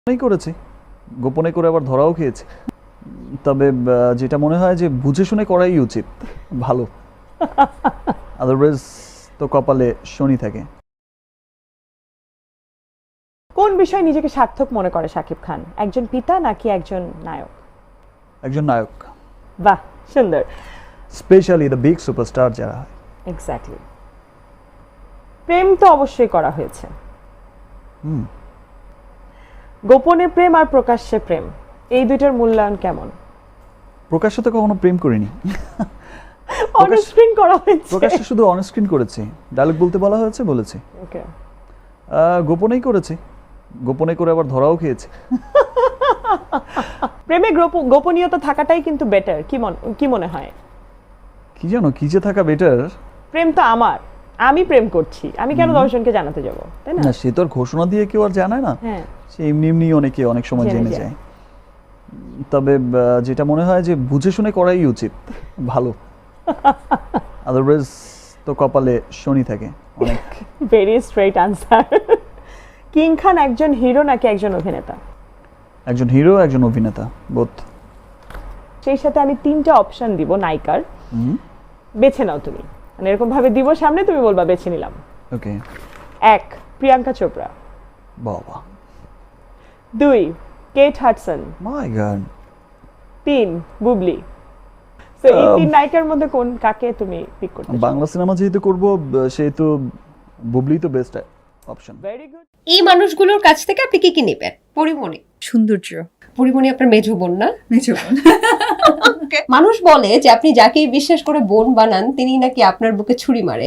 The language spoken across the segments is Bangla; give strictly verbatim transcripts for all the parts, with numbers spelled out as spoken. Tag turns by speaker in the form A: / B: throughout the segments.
A: গোপনেই করেছি, গোপনে করে আবার ধরাও খেয়েছি। তবে আহ, যেটা মনে হয় যে বুঝে শুনে করাই উচিত, ভালো। আদারওয়াইজ তো কপালে শনি থাকে।
B: কোন বিষয়ে নিজেকে সার্থক মনে করে শাকিব খান? একজন পিতা নাকি একজন নায়ক?
A: একজন নায়ক,
B: বাহ, সুন্দর।
A: স্পেশালি দ্য বিগ সুপারস্টার যারা হয়।
B: এক্স্যাক্টলি। প্রেম তো অবশ্যই করা হয়েছে।
A: হুম
B: গোপনে প্রেম আর প্রকাশ্যে প্রেম, এই দুইটার মূল্যায়ন কেমন?
A: প্রকাশ্যে তো কখনো প্রেম করিনি,
B: অন স্ক্রিন করা হয়েছে।
A: প্রকাশ্যে শুধু অন স্ক্রিন করেছি, ডায়লগ বলতে বলা হয়েছে বলেছি।
B: ওকে।
A: আহ, গোপনেই করেছি, গোপনে করে আবার ধরাও খেয়েছি।
B: প্রেমে গোপ- গোপনীয়তা থাকাটাই কিন্তু বেটার, কি মন কি মনে হয়?
A: কি জানো কি যে থাকা বেটার।
B: প্রেম তো আমার, আমি প্রেম করছি, আমি কেন দশজনকে জানাতে যাব, তাই না?
A: না, সে তো আর ঘোষণা দিয়ে কেউ আর জানায় না,
B: হ্যাঁ,
A: সে এমনি এমনি অনেকে অনেক সময়
B: জেনে
A: জেনে
B: যায়।
A: যায়। তবে আহ, যেটা মনে হয় যে বুঝে শুনে করাই উচিত, ভালো। আদারওয়াইজ তো কপালে শনি থাকে অনেক।
B: Very straight answer. King Khan একজন হিরো নাকি একজন অভিনেতা?
A: একজন হিরো, একজন অভিনেতা, বোথ।
B: সেই সাথে আমি তিনটা অপশন দিব নায়িকার, বেছে নাও তুমি। মানে এরকম ভাবে দিব সামনে, তুমি বলবা বেছে নিলাম।
A: ওকে।
B: এক, প্রিয়াঙ্কা চোপড়া।
A: বাবা,
B: দুই, কেট হাডসন।
A: মাই গড।
B: তিন, বুবলি। তো এই
A: Um,
B: তিন নায়িকার মধ্যে কোন কাকে তুমি পিক করতে চাও?
A: বাংলা সিনেমা যেহেতু করবো, আহ, সেহেতু বুবলি তো বেস্ট অপশন।
B: Very good.
C: এই মানুষগুলোর কাছ থেকে আপনি কি কি নেবেন? পরিমণি।
D: সৌন্দর্য।
C: পরিমণি আপনার মেজো বোন না?
D: মেজো বোন।
C: মানুষ বলে যে আপনি যাকেই বিশ্বাস করে বোন বানান তিনি নাকি আপনার বুকে ছুরি মারে।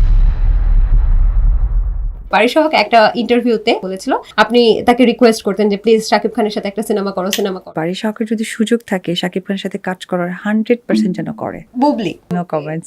C: পারিসহক একটা ইন্টারভিউতে বলেছিল আপনি তাকে রিকোয়েস্ট করতেন যে প্লিজ শাকিব খানের সাথে একটা সিনেমা করো সিনেমা করো
D: বাড়ির শখের যদি সুযোগ থাকে শাকিব খানের সাথে কাজ করার হান্ড্রেড পার্সেন্ট যেন করে।
C: বুবলি।
D: No comments.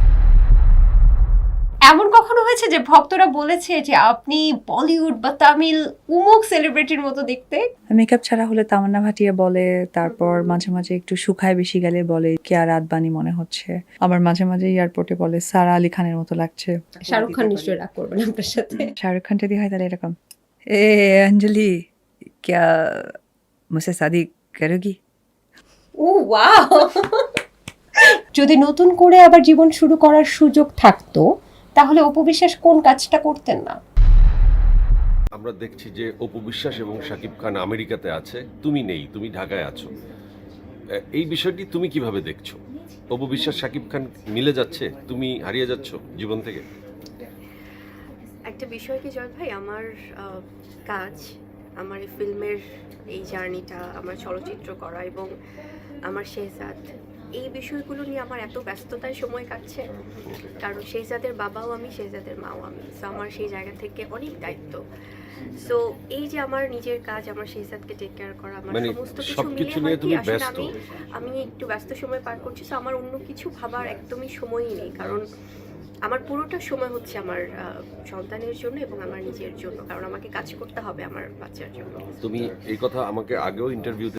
C: এমন কখনো হয়েছে যে ভক্তরা বলেছে যে আপনি বলিউড বা তামিল উমুক সেলিব্রিটির মতো দেখতে?
D: মেকআপ ছাড়া হলে তামান্না ভাটিয়া বলে, তারপর মাঝে মাঝে একটু শুকায় বেশি গেলে বলে কেয়া রাতবানি মনে হচ্ছে, আবার মাঝে মাঝে এয়ারপোর্টে বলে সারা আলী খানের মতো লাগছে।
C: শাহরুখ খান নিশ্চয়ই রাগ করবেন আপনার সাথে।
D: শাহরুখ খান যদি হয় তাহলে এরকম, এ অঞ্জলি ক্যা মুঝসে শাদি করোগি?
C: ও ওয়াও। যদি নতুন করে আবার জীবন শুরু করার সুযোগ থাকতো তাহলে অপবিশ্বাস কোন কাজটা করতেন না?
E: আমরা দেখছি যে অপু বিশ্বাস এবং শাকিব খান আমেরিকাতে আছে, তুমি নেই, তুমি ঢাকায় আছো। এ- এই বিষয়টি তুমি কিভাবে দেখছো? অপু বিশ্বাস শাকিব খান মিলে যাচ্ছে, তুমি হারিয়ে যাচ্ছ জীবন থেকে?
F: একটা বিষয় কি জয় ভাই, আমার আহ, কাজ, আমার এই ফিল্মের এই জার্নিটা, আমার চলচ্চিত্র করা এবং আমার শেহজাদ, এই বিষয়গুলো নিয়ে আমার এত ব্যস্ততায় সময় কাটছে। কারণ শেহজাদের বাবাও আমি, শেহজাদের মাও আমি, সো আমার সেই জায়গা থেকে অনেক দায়িত্ব। সো এই যে আমার নিজের কাজ, আমার শেহজাদকে টেক কেয়ার করা, আমার
E: মানে
F: সমস্ত কিছু
E: সবকিছু
F: মিলিয়ে
E: নিয়ে
F: হয় কি
E: তুমি
F: আসলে
E: ব্যস্ত।
F: আমি আমি একটু ব্যস্ত সময় পার করছি। সো আমার অন্য কিছু ভাবার একদমই সময়ই নেই, কারণ আমার পুরোটা সময় হচ্ছে আমার আহ, সন্তানের জন্য এবং আমার নিজের জন্য, কারণ আমাকে কাজ করতে হবে আমার বাচ্চার জন্য।
E: তুমি এই কথা আমাকে আগেও ইন্টারভিউতে